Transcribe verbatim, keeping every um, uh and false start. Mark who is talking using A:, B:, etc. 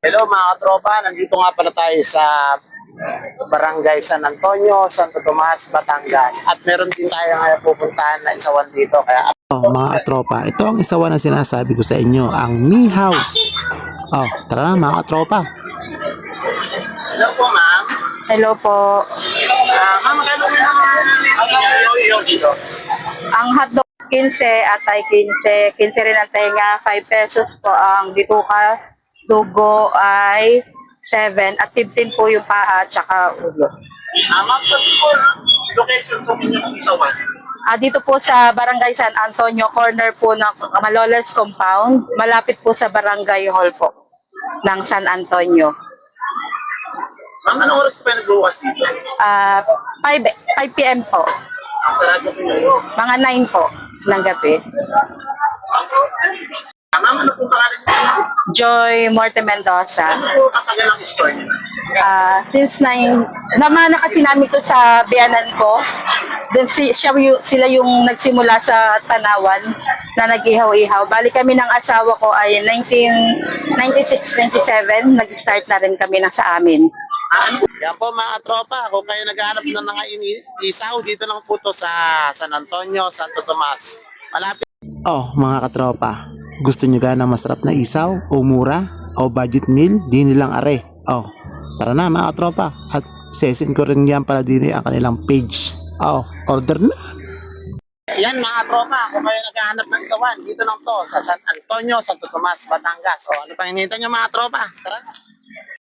A: Hello mga tropa, nandito nga pala tayo sa Barangay San Antonio, Santo Tomas, Batangas. At meron din tayo ngayon pupuntahan na isawan dito. Kaya
B: Oh, mga katropa, ito ang isawa na sinasabi ko sa inyo, ang Me House. Oh, tara na mga katropa.
A: hello po ma'am.
C: Hello po.
A: Ah, ma'am, magkano po ang yung dito?
C: Ang hotdog fifteen at ay fifteen. fifteen rin ang tenga. five pesos po ang bituka. Dugo ay seven at fifteen po yung paa at saka ulo.
A: Ah, ma'am, sa po, location po ninyo ng isawan.
C: Ah, dito po sa Barangay San Antonio, corner po ng Malolos Compound. Malapit po sa Barangay Hall po ng San Antonio.
A: Ma'am, anong oras po kayo nagbukas dito?
C: Ah, five p m po.
A: Ang sarado po nyo.
C: Mga nine po ng gabi.
A: Ah, ma'am, ano po pangalan niyo?
C: Joy Morte Mendoza.
A: Ano po katagal ang store niyo?
C: Ah, since nine, naman na kasi namin to sa biyanan ko. Doon si, siya, yu- sila yung nagsimula sa Tanawan na nag-ihaw-ihaw. Bali kami ng asawa ko ay nineteen ninety-six ninety-seven, nag-start na rin kami na sa amin.
A: Ah, ano po? Yan po mga tropa, kung kayo naghahanap ng mga ini- isaw, dito lang po to sa San Antonio, Santo Tomas. Malapit.
B: Oh, mga katropa, gusto nyo gana masarap na isaw o mura o budget meal, di nilang are. Oh, tara na mga katropa, at sesin ko rin yan pala din ang kanilang page. Oh, order na.
A: Yan mga tropa, kung kayo naghahanap ng isawan, dito lang to sa San Antonio, Santo Tomas, Batangas. O ano pang hinihintay nyo mga tropa? Tara na.